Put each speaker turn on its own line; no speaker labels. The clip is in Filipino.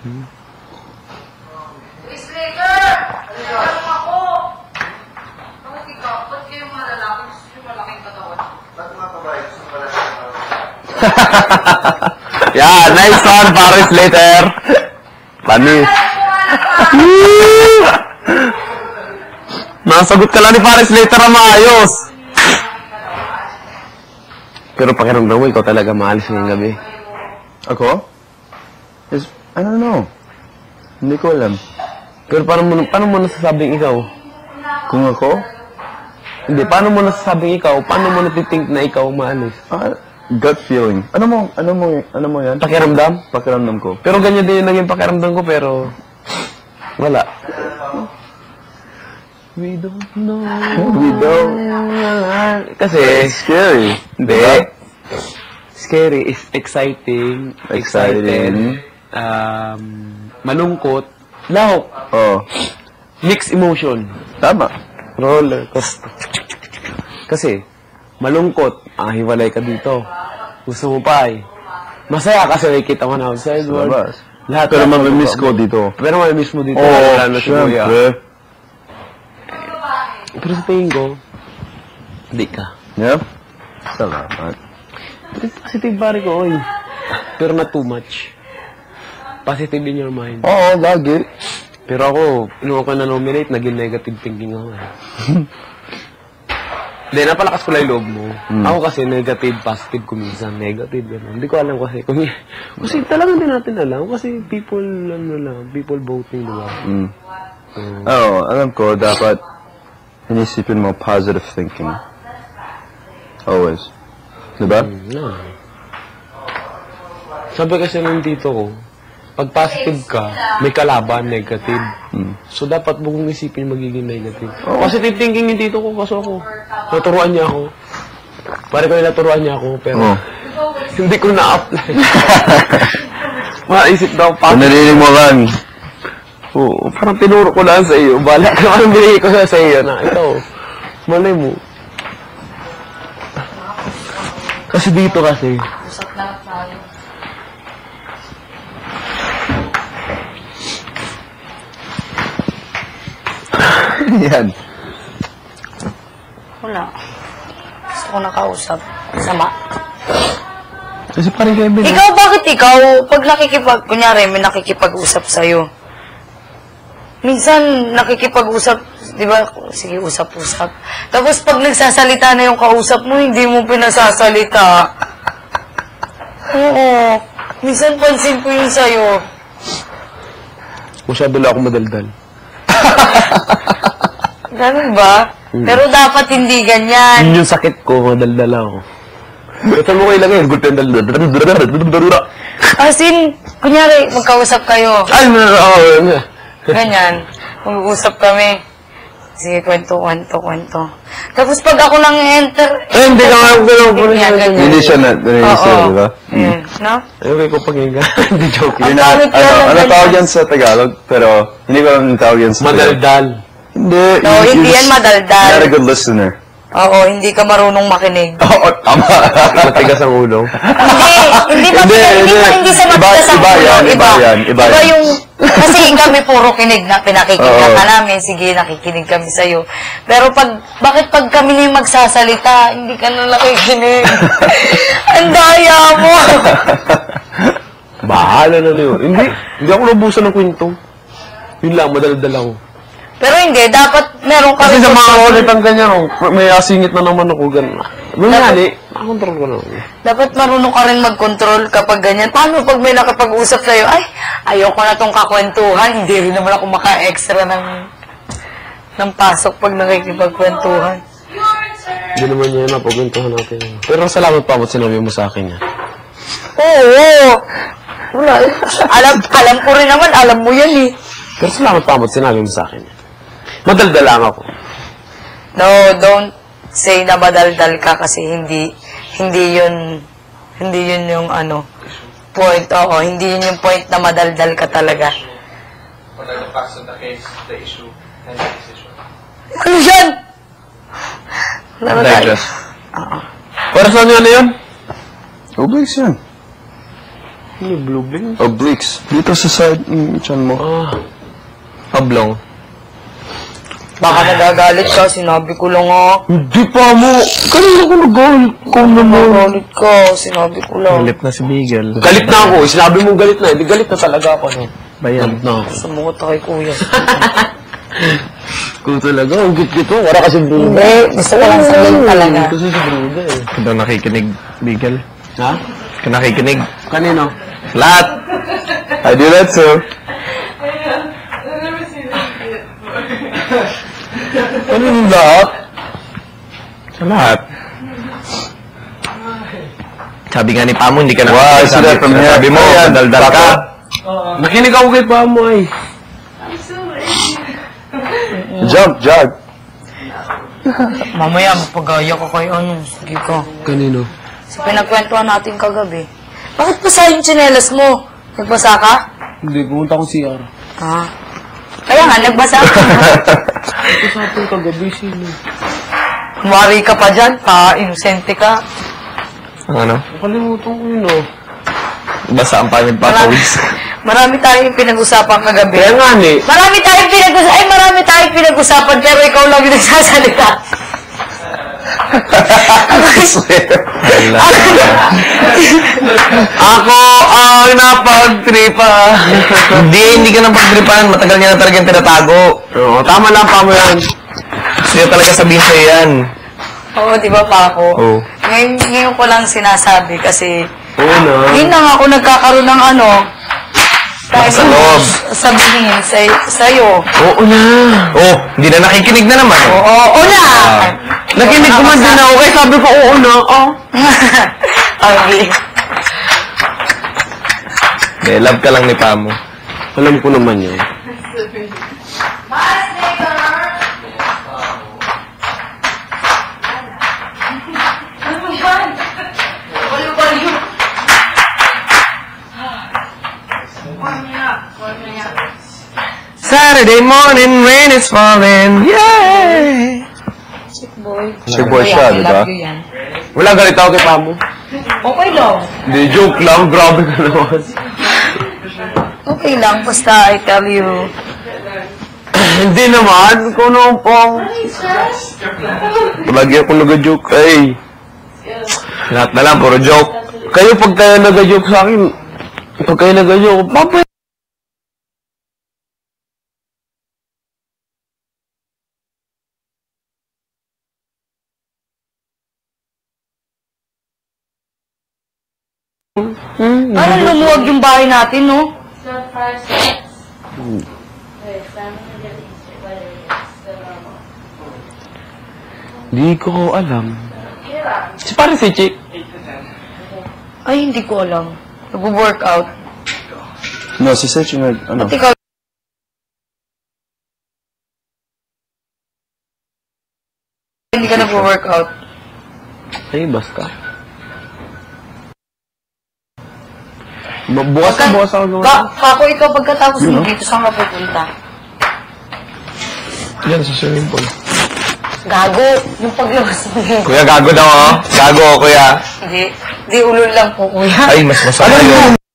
Slater! Alam ako! Bakit ikaw? Ba't kayo mga lalaki gusto yung malaking katawan? Ba't mga babae gusto yung malaking katawan?
Yeah, nice one, Paris Slater. Funny. Nasagot ka lang ni Paris Slater na maayos. Pero pakiramdam mo, ikaw talaga maalis ngayong gabi.
Ako? I don't know. Hindi ko alam.
Pero paano mo nasasabing ikaw?
Kung ako?
Hindi, paano mo nasasabing ikaw? Paano mo natitink na ikaw maalis?
Gut feeling. Ano mo yan?
Pakiramdam?
Pakiramdam ko.
Pero ganyan din yung naging pakiramdam ko, pero wala. We don't know.
We don't.
Kasi,
Scary.
hindi.
Diba?
Scary is exciting. Excited. Malungkot. Lahok.
Oh.
Mixed emotion.
Tama.
Roller coaster. Kasi, malungkot. Hiwalay ka dito. Gusto mo pa eh. Masaya kasi nakikita mo na outside world.
Labas.
Lahat.
Pero mamimiss ko dito.
Pero mamimiss mo dito.
Oo,
Lalo si Kuya.
syempre.
Pero sa tingin ko, hindi ka.
Yeah? Salamat.
Positive pare ko, oy. Pero not too much. Positive in your mind.
Oo, lagi.
Pero ako, nung ako na-nominate, naging negative thinking ako eh. Hindi, napalakas ko lang yung loob mo. Ako kasi negative, positive kuminsan. Negative, gano'n. Hindi ko alam kasi. Kasi talagang hindi natin alam. Kasi people, people voting, diba?
Oo, alam ko, dapat inisipin mo positive thinking. Always. Diba?
No. Sabi kasi nung dito ko, pag positive ka, may kalaban, negative. So, dapat mo kong isipin magiging negative. Positive thinking yung dito ko, kaso ako. Naturuan niya ako. Pare ko yung naturuan niya ako, pero hindi ko na-apply. Maisip daw,
Kung narinig mo lang,
Oo, parang tinuro ko lang sa iyo. Bala ka naman binigay ko sa iyo na ito. Malay mo. Kasi dito kasi.
Usap na tayo.
yan.
Wala. Gusto ko nakausap. Sama.
Kasi parang Kevin.
Ikaw, bakit ikaw? Pag kunyari, may nakikipag-usap sa'yo. Minsan, nakikipag-usap, di ba? Sige, usap-usap. Tapos, pag nagsasalita na yung kausap mo, hindi mo pinasasalita. Oo. Minsan, pansin ko yun sa'yo.
Masyado lang ako madaldal.
Ganun ba? Pero dapat hindi ganyan.
Yun yung sakit ko, madaldal ako. Ito mo ko ilagay, good pen daldal.
As in, kunyari, magkausap kayo.
Ay,
Ganyan. Mag-uusap kami. Sige, kwento. Tapos pag ako lang enter...
hindi ka nga
ganyan.
Hindi siya na-register, di ba?
Ayan, no?
Okay ko paghinga. Hindi joke.
Ang pangit ka lang,
Ano
ganyan.
tawag yan sa Tagalog? Pero, hindi ko lang tawag yan sa Tagalog.
Madaldal.
Hindi.
No, hindi yan madaldal.
You're not a good listener.
Oo, hindi ka marunong makinig.
Oo, tama.
Matigas ang ulo.
Hindi sa matigas ang ulo.
Iba yan.
Iba yung... Kasi kami puro kinig na pinakikinggan ka namin. Sige, nakikinig kami sa'yo. Pero bakit pag kami na yung magsasalita, hindi ka na nakikinig? Ang daya mo!
Bahala na yun. Hindi ako nabusan ng kwento. Yun lang, madaldal ako.
Pero hindi, dapat meron ka
Kasi
rin
sa mga
control.
ulit ang ganyan, may asingit na naman ako, gano'n. Nangyari, makontrol ko na.
Dapat marunong ka rin mag-control kapag ganyan. Paano pag may nakapag-usap sa'yo, ay, ayoko na tong kakwentuhan. Hindi rin naman ako maka-extra ng pasok pag nakikipagkwentuhan.
Hindi naman yan, napagkwentuhan natin. Pero salamat pa ba't sinabi mo sa akin yan.
Oo. Wala. Alam ko rin naman, alam mo yan eh.
Pero salamat pa ba't sinabi mo sa akin yan. Madaldal lang ako.
No, don't say na madaldal ka kasi hindi yun yung point. Oo, hindi yun yung point na madaldal ka talaga.
What are the facts of the case, the issue, and the decision?
Ano yan?
Digest. Para saan yun na yun?
Obvious yan.
Ano yung blue bean?
Obliques. Dito sa side, chan mo.
Oblong.
Baka nagagalit ka, sinabi ko lang
Hindi pa mo. Kanina ko nagalit. Ikaw naman.
Nagagalit ka, sinabi ko lang.
Galit na si Miguel.
Galit na ako. Sinabi mo galit na. Hindi galit na talaga ako. No?
Bayan.
Na ako.
Sumuot na kay kuya.
Kung talaga, ang git-git mo. Wala kasi bruda.
Hindi, gusto ko lang sabihin talaga.
Kasi si bruda eh.
Ikaw daw nakikinig, Miguel.
Ha?
Ikaw nakikinig.
Kanino?
Lahat!
I do that too.
Ano yung lahat?
Sa lahat. Sabi nga ni Pamo, hindi ka na
Wow, I see that from here.
Sabi mo,
Ayan,
daldal ka.
Papa.
Nakinig ako kay Pamoy.
Jump, jog.
Mamaya, mapagaya ko kayo. Ano, sige ko.
Kanino?
Sa pinagkwentuhan natin kagabi. Bakit basa yung tsinelas mo? Nagbasa ka?
Hindi, pumunta ko CR.
Ah. Kaya nga, nagbasa ka.
Usapan kagabi sino?
Kumari ka pa dyan, pa-inosente ka.
Ang ano?
Nakalimutan ko yun oh.
Basta ang pangit pa pawis.
Marami tayong pinag-usapan kagabi.
Kaya nga ni.
Marami tayong pinag-usapan, pero ikaw lang yung nagsasalita.
Ako ang napagtripa. Hindi ka nang pagtripan. Matagal niya na talaga yung tinatago.
Oo, tama lang Pamo yan.
Gusto niya talaga sabihin sa'yo yan.
Oo, di ba pa ako?
Oo.
Ngayon ko lang sinasabi kasi
Oo na.
ngayon lang ako nagkakaroon ng ano,
Sa loob.
sabihin sa'yo.
Oo na.
Oh, hindi na nakikinig na naman.
Oo na!
Nakinig ko man din ako. Kaya sabi ko, oo na. Oh.
Okay.
Eh, love ka lang ni Pamo.
Alam ko naman yun.
Saturday morning, rain is falling. Yay!
Chick boy siya, di ba?
Wala galit ako kay Pamo.
Okay lang.
Hindi, joke lang. Grabe ka naman.
Okay lang, basta I tell you.
Hindi naman. Kung ano pong.
Lagi akong nag-joke. Ay.
Lahat na lang, puro joke.
Kayo pag kayo nag-joke sa akin. Pag kayo nag-joke, Papa.
Parang lumuwag yung bahay natin, no?
Hindi ko alam. Si parang si Chick.
Ay, hindi ko alam. Nag-workout.
No, si Sech yung ano.
At ikaw, hindi ka nag-workout.
Ay, basta. Bukas na, bukas ako gawa.
Kako, ikaw pagkatapos mo dito, saan ka pupunta?
Yan, sa swimming pool.
Gago, yung paglabas mo yun.
Kuya, gago daw, oh. Gago, kuya.
Hindi, ulol lang po, kuya.
Ay, mas masama yun.